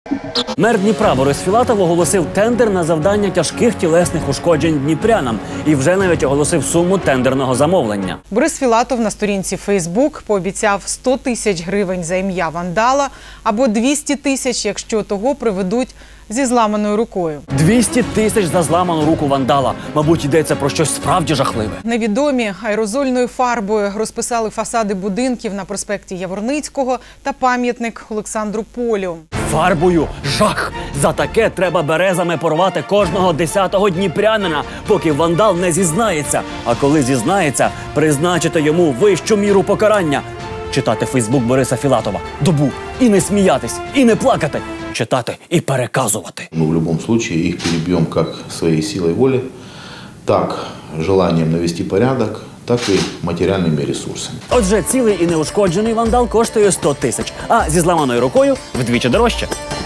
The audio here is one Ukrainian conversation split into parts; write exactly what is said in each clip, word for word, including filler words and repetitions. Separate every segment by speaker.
Speaker 1: Мер Дніпра Борис Філатов оголосив тендер на завдання тяжких тілесних ушкоджень дніпрянам і вже навіть оголосив суму тендерного замовлення.
Speaker 2: Борис Філатов на сторінці Фейсбук пообіцяв сто тисяч гривень за ім'я вандала або двісті тисяч, якщо того приведуть зі зламаною рукою.
Speaker 1: двісті тисяч за зламану руку вандала. Мабуть, йдеться про щось справді жахливе.
Speaker 2: Невідомі аерозольною фарбою розписали фасади будинків на проспекті Яворницького та пам'ятник Олександру Полю.
Speaker 1: Фарбою жах! За таке треба березами порвати кожного десятого дніпрянина, поки вандал не зізнається. А коли зізнається, призначити йому вищу міру покарання. Читати Фейсбук Бориса Філатова. Добу. І не сміятись, і не плакати. Читати і переказувати.
Speaker 3: Мы в будь-якому випадку їх переб'ємо як своєю силою волі, так желанням навести порядок, так і матеріальними ресурсами.
Speaker 1: Отже, цілий і неушкоджений вандал коштує сто тисяч, а зі зламаною рукою вдвічі дорожче.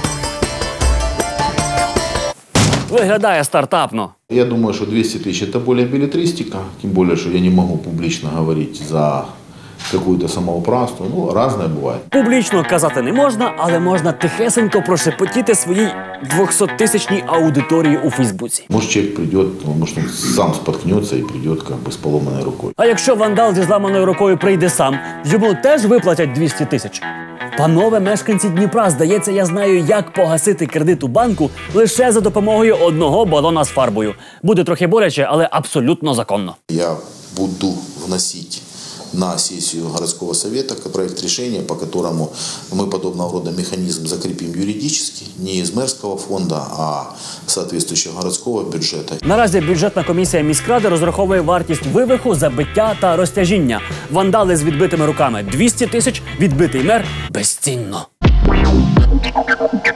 Speaker 1: Виглядає стартапно.
Speaker 3: Я думаю, що двісті тисяч – це більше белетристика, тим більше, що я не можу публічно говорити за какую-то самоуправство. Ну, разное буває.
Speaker 1: Публічно казати не можна, але можна тихесенько прошепотіти своїй двохсоттисячній аудиторії у Фейсбуці.
Speaker 3: Може, чоловік прийде, може, він сам споткнеться і прийде как бы, з поломаною рукою.
Speaker 1: А якщо вандал зі зламаною рукою прийде сам, йому теж виплатять двісті тисяч? Панове мешканці Дніпра, здається, я знаю, як погасити кредит у банку лише за допомогою одного балона з фарбою. Буде трохи боляче, але абсолютно законно.
Speaker 3: Я буду вносити на сессию городского совета проект решения, по которому мы подобного рода механизм закрепим юридически, не из мэрского фонда, а соответствующего городского бюджета.
Speaker 1: Наразі бюджетна комісія міськради розраховує вартість вивиху, забиття та розтяжіння. Вандали з відбитими руками – двісті тисяч, відбитий мер – безцінно.